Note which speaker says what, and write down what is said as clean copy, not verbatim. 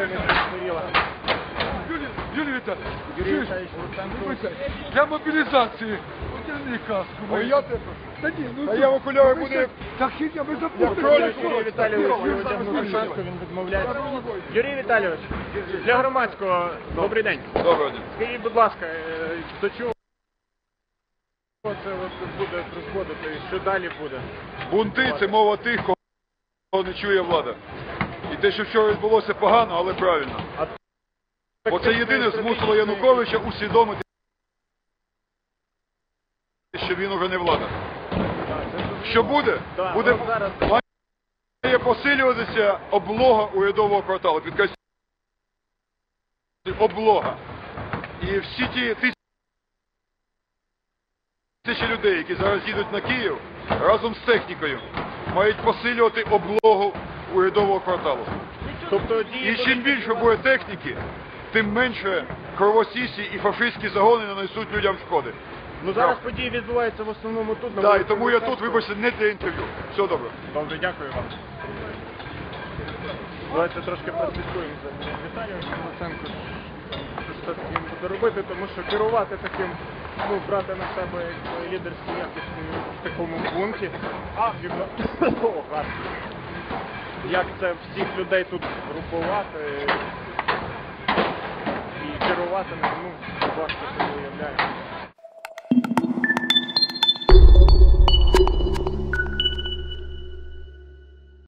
Speaker 1: не згоріла.
Speaker 2: Юрій Віталійович,
Speaker 1: Юрій Віталійович Луценко.
Speaker 2: для мобілізації одягни каску.
Speaker 3: А я тебе
Speaker 2: Та ні, ну
Speaker 3: А я в окуляри буду...
Speaker 2: Так хіба ви
Speaker 3: кролик.
Speaker 1: Юрій Віталійович одягнув шапку, він відмовляється. Юрій Віталійович, для громадського, добрий день.
Speaker 3: Доброго дня.
Speaker 1: Скажіть, будь ласка, до чого це буде призводити і що далі буде?
Speaker 3: Бунти – це мова тих, кого не чує влада. І те, що вчора відбулося, погано, але правильно. Бо це єдине змусило Януковича усвідомити, що він уже не влада. Що буде? Буде має посилюватися облога урядового кварталу. Підкреслюю, облога. І всі ті тисячі людей, які зараз їдуть на Київ, разом з технікою, мають посилювати облогу урядового кварталу.
Speaker 1: Тобто,
Speaker 3: І чим більше буде техніки, тим менше кровосісі і фашистські загони нанесуть людям шкоди.
Speaker 1: Ну зараз події відбуваються в основному тут.
Speaker 3: Так, і тому я тут, вибачте, не для інтерв'ю. Все добре.
Speaker 1: Добре, дякую вам. Давайте трошки прослідкуємо за Віталієм Луценко. Що таким буде робити, тому що керувати таким, ну, брати на себе лідерські якості в такому бунті. Як це всіх людей тут групувати і керувати, ну, важко собі уявляю.